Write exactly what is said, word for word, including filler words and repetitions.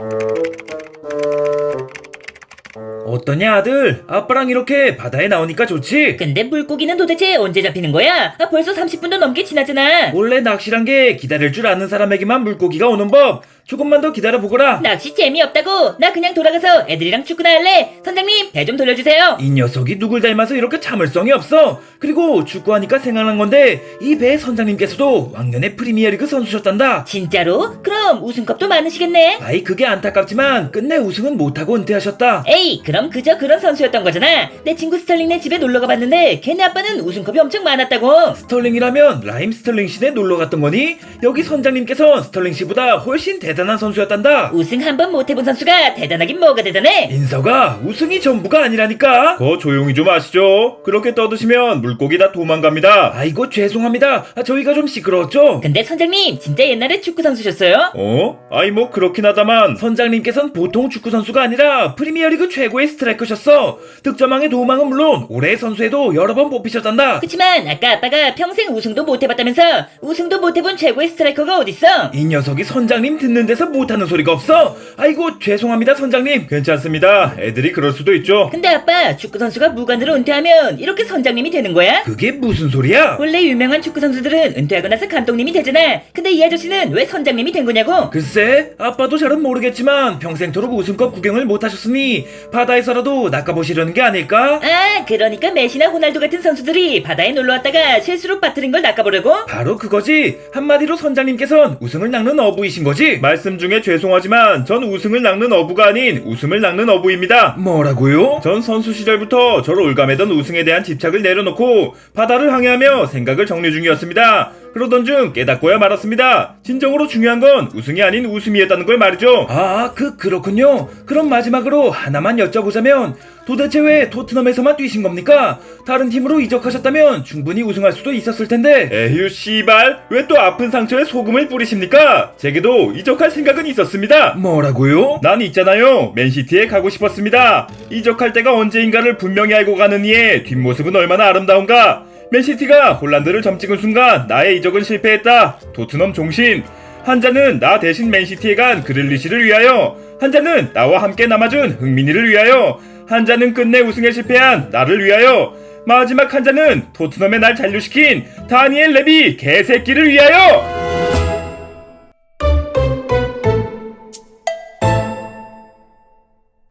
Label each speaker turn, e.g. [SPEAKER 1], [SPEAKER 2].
[SPEAKER 1] 어떠냐 아들? 아빠랑 이렇게 바다에 나오니까 좋지?
[SPEAKER 2] 근데 물고기는 도대체 언제 잡히는 거야? 아, 벌써 삼십 분도 넘게 지났잖아.
[SPEAKER 1] 원래 낚시란 게 기다릴 줄 아는 사람에게만 물고기가 오는 법. 조금만 더 기다려보거라.
[SPEAKER 2] 낚시 재미없다고. 나 그냥 돌아가서 애들이랑 축구나 할래. 선장님, 배 좀 돌려주세요.
[SPEAKER 1] 이 녀석이 누굴 닮아서 이렇게 참을성이 없어. 그리고 축구하니까 생각난 건데 이 배 선장님께서도 왕년에 프리미어리그 선수셨단다.
[SPEAKER 2] 진짜로? 그럼 우승컵도 많으시겠네.
[SPEAKER 1] 아이 그게 안타깝지만 끝내 우승은 못하고 은퇴하셨다.
[SPEAKER 2] 에이, 그럼 그저 그런 선수였던 거잖아. 내 친구 스털링네 집에 놀러가 봤는데 걔네 아빠는 우승컵이 엄청 많았다고.
[SPEAKER 1] 스털링이라면 라임 스털링 씨네 놀러 갔던 거니? 여기 선장님께서 스털링 씨보다 훨씬 대단한 선수였단다.
[SPEAKER 2] 우승 한 번 못 해본 선수가 대단하긴 뭐가 대단해.
[SPEAKER 1] 인서가 우승이 전부가 아니라니까.
[SPEAKER 3] 거 조용히 좀 하시죠. 그렇게 떠드시면 물고기 다 도망갑니다.
[SPEAKER 1] 아이고 죄송합니다. 아, 저희가 좀 시끄러웠죠?
[SPEAKER 2] 근데 선장님, 진짜 옛날에 축구 선수셨어요?
[SPEAKER 3] 어? 아이 뭐 그렇긴 하다만
[SPEAKER 1] 선장님께서는 보통 축구 선수가 아니라 프리미어리그 최고의 스트라이커셨어. 득점왕의 도움왕은 물론 올해의 선수에도 여러 번 뽑히셨단다.
[SPEAKER 2] 그치만 아까 아빠가 평생 우승도 못 해봤다면서. 우승도 못 해본 최고의 스트라이커가 어딨어?
[SPEAKER 1] 이 녀석이 선장님 듣는 데서 못하는 소리가 없어. 아이고 죄송합니다 선장님.
[SPEAKER 3] 괜찮습니다. 애들이 그럴 수도 있죠.
[SPEAKER 2] 근데 아빠, 축구 선수가 무관으로 은퇴하면 이렇게 선장님이 되는 거야?
[SPEAKER 1] 그게 무슨 소리야?
[SPEAKER 2] 원래 유명한 축구 선수들은 은퇴하고 나서 감독님이 되잖아. 근데 이 아저씨는 왜 선장님이 된 거냐고?
[SPEAKER 1] 글쎄 아빠도 잘은 모르겠지만 평생토록 우승컵 구경을 못하셨으니 바다에서라도 낚아보시려는 게 아닐까?
[SPEAKER 2] 아, 그러니까 메시나 호날두 같은 선수들이 바다에 놀러왔다가 실수로 빠뜨린 걸 낚아보려고?
[SPEAKER 1] 바로 그거지. 한마디로 선장님께선 우승을 낚는 어부이신 거지.
[SPEAKER 3] 말씀 중에 죄송하지만 전 우승을 낚는 어부가 아닌 웃음을 낚는 어부입니다.
[SPEAKER 1] 뭐라고요?
[SPEAKER 3] 전 선수 시절부터 저를 올가매던 우승에 대한 집착을 내려놓고 바다를 항해하며 생각을 정리 중이었습니다. 그러던 중 깨닫고야 말았습니다. 진정으로 중요한 건 우승이 아닌 웃음이었다는 걸 말이죠.
[SPEAKER 1] 아, 그, 그렇군요. 그럼 마지막으로 하나만 여쭤보자면, 도대체 왜 토트넘에서만 뛰신 겁니까? 다른 팀으로 이적하셨다면 충분히 우승할 수도 있었을 텐데.
[SPEAKER 3] 에휴 씨발 왜 또 아픈 상처에 소금을 뿌리십니까? 제게도 이적할 생각은 있었습니다.
[SPEAKER 1] 뭐라고요?
[SPEAKER 3] 난 있잖아요. 맨시티에 가고 싶었습니다. 이적할 때가 언제인가를 분명히 알고 가는 이의 뒷모습은 얼마나 아름다운가. 맨시티가 홀란드를 점찍은 순간 나의 이적은 실패했다. 토트넘 종신. 한 잔은 나 대신 맨시티에 간 그릴리시를 위하여, 한 잔은 나와 함께 남아준 흥민이를 위하여, 한 잔은 끝내 우승에 실패한 나를 위하여, 마지막 한 잔은 토트넘에 날 잔류시킨 다니엘 레비 개새끼를 위하여.